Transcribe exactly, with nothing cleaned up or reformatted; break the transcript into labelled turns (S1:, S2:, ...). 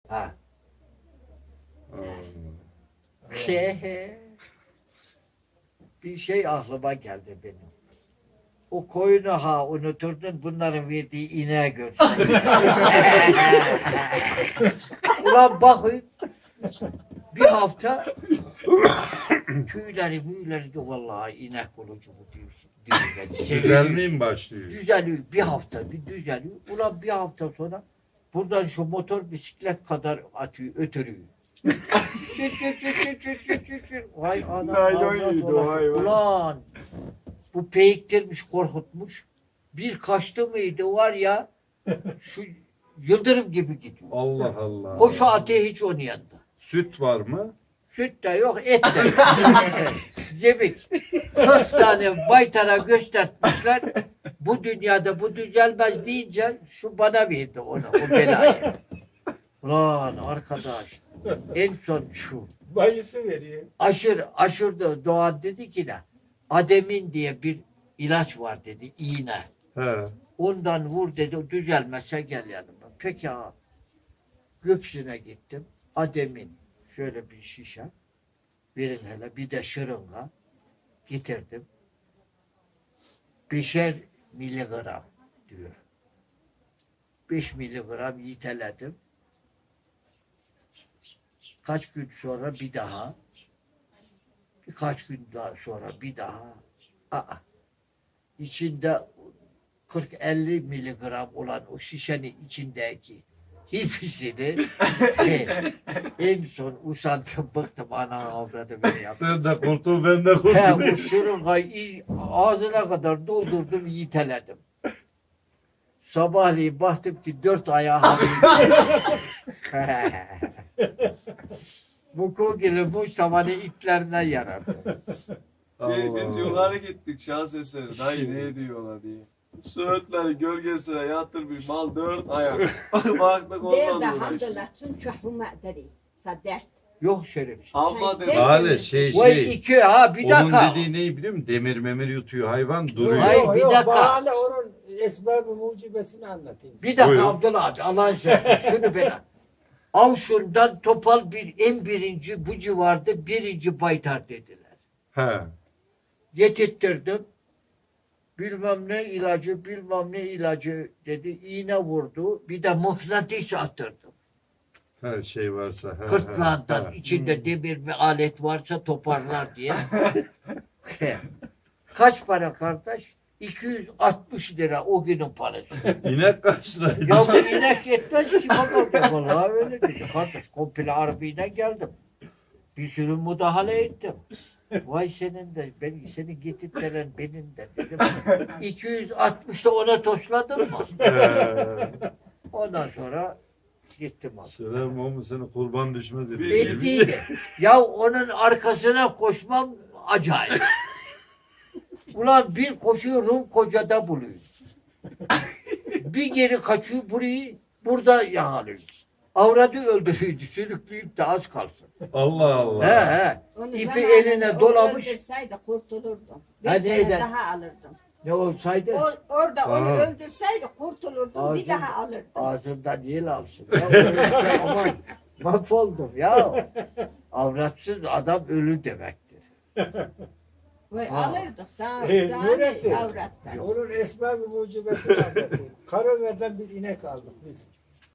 S1: Ha.
S2: Hmm.
S1: Şey, bir şey aklıma geldi benim. O koyunu ha unuturdun, bunların verdiği ineği görsün. Ulan bakın, bir hafta tüyleri müyleri de vallahi inek olucu bu diyorsun.
S2: Düzelmeye mi başlıyor?
S1: Düzeliyor bir hafta, bir düzeliyor. Ulan bir hafta sonra buradan şu motor bisiklet kadar atıyor, ötürüyor. Çıt çıt çıt çıt çıt çıt çıt çıt. Vay anam.
S3: Naylon
S1: avrat
S3: yedi o
S1: olası.
S3: hayvan.
S1: Ulan bu peyiktirmiş, korkutmuş. Bir kaçtı mıydı var ya, şu yıldırım gibi gidiyor.
S2: Allah Allah.
S1: Koşu atı hiç onun yanında.
S2: Süt var mı?
S1: Süt de yok, et de yok. Yemek. Dört tane baytara göstermişler. Bu dünyada bu düzelmez deyince şu bana verdi onu, o belayı. Ulan arkadaş, en son şu.
S3: Bayısı veriyor.
S1: Aşır, aşırdı Doğan dedi ki ne? Ademin diye bir ilaç var dedi, iğne.
S2: He.
S1: Ondan vur dedi, düzelmezse gel yanıma. Peki ha. Göksüne gittim. Ademin şöyle bir şişe. Verin hele bir de şırınga. Getirdim. Beşer miligram diyor. Beş miligram yiteledim. Kaç gün sonra bir daha. Birkaç gün daha sonra bir daha. Aa. İçinde kırk elli miligram olan o şişenin içindeki hepsini şey, en son usandım, bıktım, ana avradı beni yaptı.
S2: Sen de kurtul, ben de
S1: He,
S2: kurtulayım.
S1: o şırıngayı ağzına kadar doldurdum, yiteledim. Sabahleyin baktım ki dört ayağı bu kogili bu samanı itlerinden yarardı.
S3: Biz, biz
S2: Allah.
S3: yukarı gittik şans eseri. Dayı ne diyorlar diye. Söğütleri gölgesine yatırmış mal dört ayak. Baktık
S4: دير
S3: olmaz
S4: ده
S3: uğraş.
S4: الحمد لله تنشح وما قدري صدرت
S1: Yok şerefsiz.
S3: Abla dedi.
S2: Hale şey
S1: Vay
S2: şey.
S1: iki ha bir
S2: Onun
S1: dakika.
S2: dediği neyi biliyor musun? Demir memir yutuyor hayvan, duruyor.
S1: Hayır,
S5: Yok,
S1: bir
S5: yok,
S1: dakika.
S5: bana onun esbab-ı mucibesini anlatayım.
S1: Bir dakika
S2: Buyurun.
S1: Abdullah abi Allah'ın sözü şunu bana. Avşun'dan topal bir en birinci bu civarda birinci baytar dediler.
S2: He.
S1: Getirttirdim. Bilmem ne ilacı bilmem ne ilacı dedi. İğne vurdu. Bir de mıknatıs attırdım.
S2: Her şey varsa. He,
S1: Kırtlağından
S2: he, he.
S1: içinde demir bir alet varsa toparlar diye. Kaç para kardeş? iki yüz altmış lira o günün parası.
S2: İnek kaç lira?
S1: Ya bu inek yetmez ki bakalım. Vallahi öyle dedi. Kardeş komple arabayla geldim. Bir sürü müdahale ettim. Vay senin de, ben seni getirtilen benim de dedim. iki yüz altmışta ona toşladın mı?
S2: He.
S1: Ondan sonra gittim abi.
S2: Selam o mu seni kurban düşmez
S3: Bir-
S2: ediyor.
S1: Ettiydi. Ya onun arkasına koşmam acayip. Ulan bir koşuyor Rum kocada buluyor. Bir geri kaçıyor burayı burada yakalıyor. Avradı öldürüyordu. Sürükleyip de az kalsın.
S2: Allah Allah.
S1: He he.
S4: Onu
S1: İpi
S4: zamanında
S1: eline
S4: onu
S1: dolamış.
S4: öldürseydi kurtulurdum. Bir
S1: Hadi
S4: tane
S1: eden.
S4: daha alırdım.
S1: Ne olsaydı
S4: O, orada onu
S2: Aa.
S4: öldürseydi kurtulurdum.
S1: Ağzın-
S4: Bir daha alırdım.
S1: ağzından yel alsın. Ya, öyle aman mahvoldum ya. Avratsız adam ölü demektir.
S4: Ve
S1: Aa.
S4: alırdık sağ,
S5: Ee,
S4: sağ
S5: Nurettin.
S4: avrattan.
S5: Onun esbab-ı mucibesini anlatayım. Karaver'den bir inek aldık biz.